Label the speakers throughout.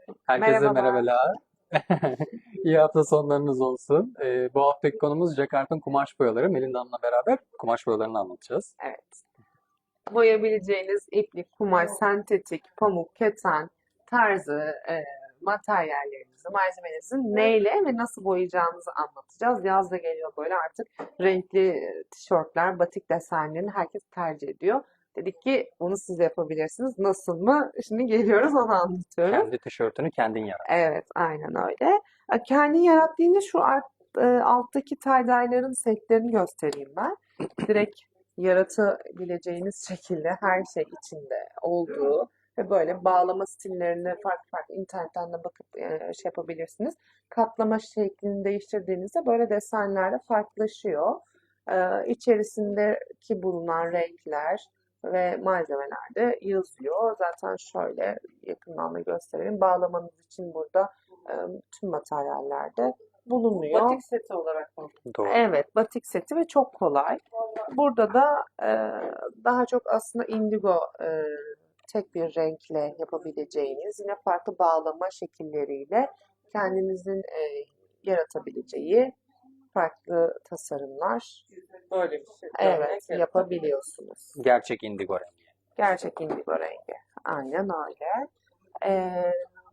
Speaker 1: Herkese
Speaker 2: Merhabalar.
Speaker 1: merhabalar. İyi hafta sonlarınız olsun. Bu haftaki konumuz Jacquard'ın kumaş boyaları. Melinda Hanım'la beraber kumaş boyalarını anlatacağız.
Speaker 2: Evet. Boyayabileceğiniz iplik, kumaş, sentetik, pamuk, keten tarzı materyallerinizi, malzemelerinizi neyle ve nasıl boyayacağınızı anlatacağız. Yaz da geliyor böyle artık renkli tişörtler, batik desenlerini herkes tercih ediyor. Dedik ki bunu siz de yapabilirsiniz. Nasıl mı? Şimdi geliyoruz onu anlatıyoruz.
Speaker 1: Kendi tişörtünü kendin yarat.
Speaker 2: Evet, aynen öyle. Kendi yarattığında alttaki tie-dye'ların setlerini göstereyim ben. Direkt yaratabileceğiniz şekilde her şey içinde olduğu ve böyle bağlama stillerini farklı farklı internetten de bakıp şey yapabilirsiniz. Katlama şeklini değiştirdiğinizde böyle desenler de farklılaşıyor. İçerisindeki bulunan renkler ve malzemeler de yazıyor. Zaten şöyle yakından da göstereyim. Bağlamanız için burada e, tüm materyallerde bulunuyor.
Speaker 3: Batik seti olarak mı?
Speaker 1: Doğru.
Speaker 2: Evet, batik seti ve çok kolay. Burada da daha çok aslında indigo tek bir renkle yapabileceğiniz, yine farklı bağlama şekilleriyle kendinizin yaratabileceği farklı tasarımlar,
Speaker 3: Böyle bir şey.
Speaker 2: evet, yapabiliyorsunuz.
Speaker 1: Gerçek indigo rengi.
Speaker 2: Gerçek indigo rengi. Aynen öyle. Ee,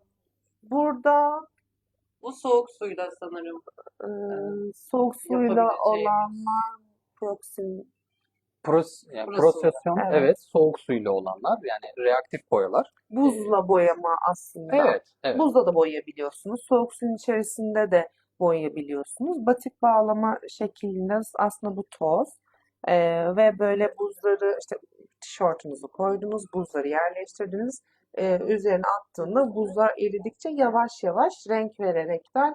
Speaker 2: burada
Speaker 3: Bu soğuk suyla sanırım
Speaker 2: e, soğuk suyla
Speaker 3: yapabileceğimiz.
Speaker 2: olanlar proxim,
Speaker 1: Yani
Speaker 3: Burası.
Speaker 1: prosesyon,
Speaker 2: Evet.
Speaker 1: evet, soğuk suyla olanlar yani reaktif boyalar.
Speaker 2: buzla boyama aslında.
Speaker 1: Evet, evet.
Speaker 2: Buzla da boyayabiliyorsunuz. Soğuk suyun içerisinde de boyayabiliyorsunuz. Batik bağlama şeklinde aslında bu toz. Ve böyle buzları işte tişörtünüzü koydunuz, buzları yerleştirdiniz. Üzerine attığında buzlar eridikçe yavaş yavaş renk vererekten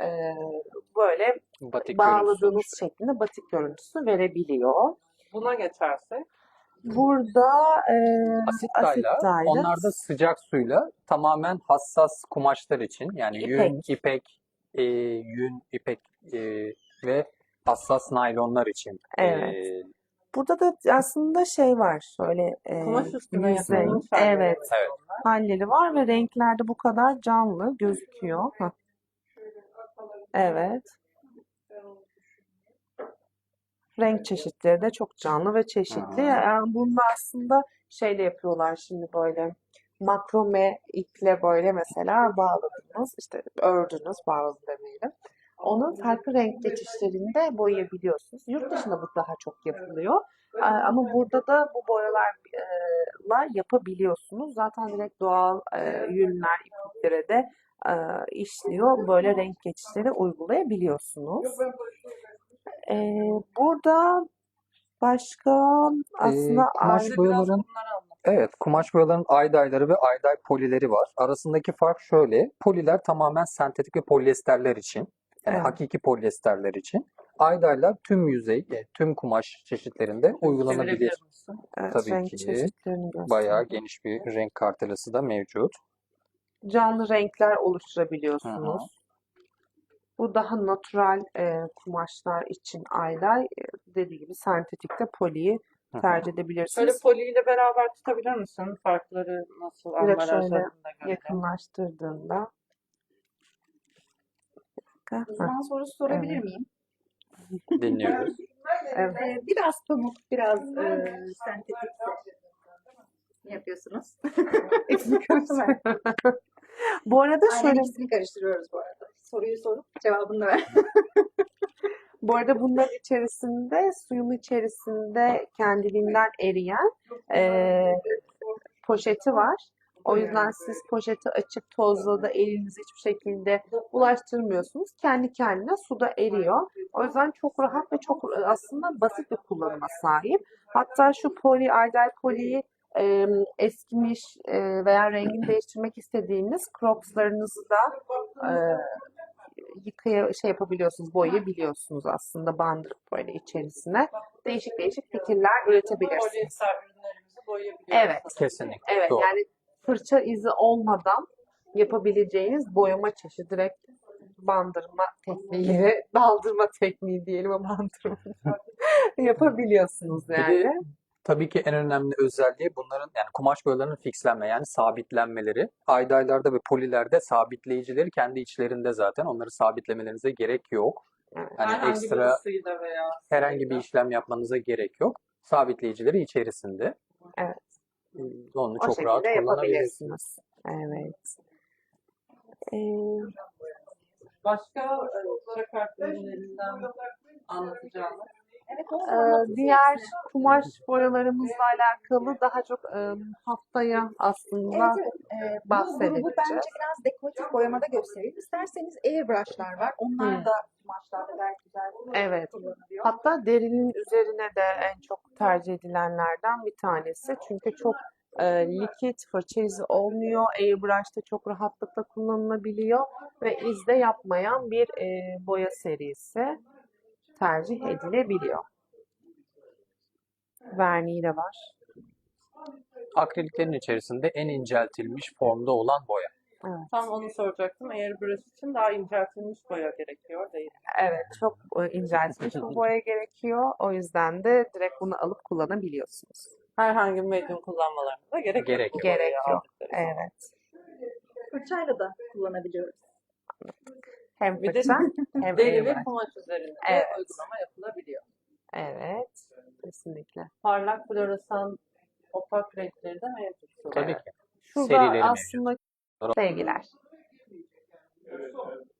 Speaker 2: böyle
Speaker 1: Batik görüntüsü
Speaker 2: bağladığınız
Speaker 1: oluşuyor.
Speaker 2: şeklinde batik görüntüsü verebiliyor.
Speaker 3: Buna geçersek
Speaker 2: Burada
Speaker 1: Asit
Speaker 2: asit
Speaker 1: dye'lar,
Speaker 2: dye'ler,
Speaker 1: onlar da sıcak suyla tamamen hassas kumaşlar için yani yün, ipek, yün, ipek ve hassas naylonlar için.
Speaker 2: Evet. Burada da aslında şey var, şöyle
Speaker 3: kumaş üstüne
Speaker 2: yüzey,
Speaker 3: yapılmış halleri.
Speaker 2: evet,
Speaker 1: Evet.
Speaker 2: halleri var ve renklerde bu kadar canlı gözüküyor. Hah, evet. Renk çeşitleri de çok canlı ve çeşitli. Yani bunu da aslında şeyle yapıyorlar şimdi böyle makrome iple böyle mesela bağladınız, işte ördünüz, bağladınız demeyelim. Onu farklı renk geçişlerinde boyayabiliyorsunuz. Yurt dışında bu daha çok yapılıyor. Ama burada da bu boyalarla yapabiliyorsunuz. Zaten direkt doğal yünler, ipliklere de işliyor. Böyle renk geçişleri uygulayabiliyorsunuz. Burada başka aslında
Speaker 1: Kumaş
Speaker 3: Bize biraz
Speaker 1: boyaların
Speaker 3: bunları anlat.
Speaker 1: Evet, kumaş boyaların ay-dye'ları ve ay-dye polileri var. Arasındaki fark şöyle. Poliler tamamen sentetik ve polyesterler için. Yani
Speaker 2: evet,
Speaker 1: hakiki polyesterler için. Ay-dye'lar tüm yüzey, tüm kumaş çeşitlerinde uygulanabilir.
Speaker 3: Çevirebilir misin?
Speaker 2: evet,
Speaker 1: Tabii
Speaker 2: renk
Speaker 1: ki
Speaker 2: çeşitlerini
Speaker 1: bayağı
Speaker 2: gösteriyor.
Speaker 1: geniş bir renk kartelası da mevcut.
Speaker 2: Canlı renkler
Speaker 1: Hı hı.
Speaker 2: oluşturabiliyorsunuz. Bu daha natural kumaşlar için aylar. Dediği gibi sentetikte poliyi
Speaker 1: Hı hı.
Speaker 2: tercih
Speaker 3: Şöyle
Speaker 2: edebilirsiniz.
Speaker 3: poliyle beraber tutabilir misin? Farkları nasıl
Speaker 2: Direkt şöyle
Speaker 3: ambalajlarında görelim.
Speaker 2: yakınlaştırdığında. Hah,
Speaker 4: Uzman sorusu sorabilir
Speaker 2: evet.
Speaker 4: miyim?
Speaker 1: Dinliyoruz.
Speaker 2: Evet.
Speaker 4: Biraz pamuk, biraz sentetik yapıyorsunuz. İkisini karıştırmayın.
Speaker 2: Bu arada
Speaker 4: Aynen
Speaker 2: şöyle,
Speaker 4: ikisini karıştırıyoruz bu arada. Soruyu sorup cevabını da ver.
Speaker 2: bu arada bunların içerisinde suyun içerisinde kendiliğinden eriyen poşeti var. O yüzden siz poşeti açıp tozla da elinizi hiçbir şekilde bulaştırmıyorsunuz. Kendi kendine suda eriyor. O yüzden çok rahat ve çok aslında basit bir kullanıma sahip. Hatta şu poli, Ardell poliyi eskimiş veya rengini değiştirmek istediğiniz Crocs'larınızı da şey yapabiliyorsunuz, boyayabiliyorsunuz aslında bandırıp böyle içerisine. Değişik değişik fikirler üretebilirsiniz.
Speaker 3: Polyester ürünlerimizi boyayabiliyoruz.
Speaker 2: Evet.
Speaker 1: Kesinlikle.
Speaker 2: Evet,
Speaker 1: Doğru.
Speaker 2: yani fırça izi olmadan yapabileceğiniz boyama çeşidi, direkt bandırma tekniği, daldırma tekniği diyelim ama bandırma yapabiliyorsunuz
Speaker 1: Bir de
Speaker 2: yani.
Speaker 1: Tabii ki en önemli özelliği bunların yani kumaş boyalarının fixlenme yani sabitlenmeleri. Aydaylarda ve polilerde sabitleyicileri kendi içlerinde zaten. Onları sabitlemelerinize gerek yok.
Speaker 2: Evet.
Speaker 1: Hani
Speaker 3: Herhangi bir
Speaker 1: ekstra
Speaker 3: ısıyla veya
Speaker 1: herhangi bir işlem yapmanıza gerek yok. Sabitleyicileri içerisinde.
Speaker 2: Evet.
Speaker 1: Onu
Speaker 2: O
Speaker 1: çok rahat
Speaker 2: şekilde
Speaker 1: kullanabilirsiniz.
Speaker 2: yapabilirsiniz. Evet. Ee,
Speaker 3: başka para kart ürünlerinden anlatacağımız.
Speaker 4: Evet, o
Speaker 2: diğer kumaş boyalarımızla alakalı daha çok haftaya aslında
Speaker 4: Evet. Bu
Speaker 2: bahsedeceğiz.
Speaker 4: grubu bence biraz dekoratif boyamada gösterelim. İsterseniz airbrushlar var. Onlar da kumaşlarda gayet güzel
Speaker 2: Evet.
Speaker 4: kullanılıyor.
Speaker 2: Hatta derinin üzerine de en çok tercih edilenlerden bir tanesi. Çünkü çok likit, fırça izi olmuyor. Airbrush'ta çok rahatlıkla kullanılabiliyor ve iz de yapmayan bir boya serisi tercih edilebiliyor. Verniği de var.
Speaker 1: Akriliklerin içerisinde en inceltilmiş formda olan boya.
Speaker 2: Evet.
Speaker 3: Tam onu soracaktım. Airbrush için daha inceltilmiş boya gerekiyor değil mi?
Speaker 2: Evet, çok inceltilmiş bir boya gerekiyor. O yüzden de direkt bunu alıp kullanabiliyorsunuz.
Speaker 3: Herhangi bir medyum kullanmalarına gerek yok.
Speaker 1: Gerek
Speaker 3: bu
Speaker 1: yok.
Speaker 3: boyayı
Speaker 2: Gerek yok.
Speaker 3: aldıkları zaman.
Speaker 2: Evet.
Speaker 4: Fırçayla da kullanabiliyoruz.
Speaker 2: Hem
Speaker 3: Bir de
Speaker 2: fırça hem
Speaker 3: deri
Speaker 2: airbrush.
Speaker 3: ve kumaş üzerinde
Speaker 2: Evet.
Speaker 3: uygulama yapılabiliyor.
Speaker 2: Evet, kesinlikle.
Speaker 3: Parlak floresan opak renkleri de mevcut.
Speaker 1: Tabii ki.
Speaker 2: Şurada
Speaker 1: Serileri mevcut.
Speaker 2: aslında sevgiler.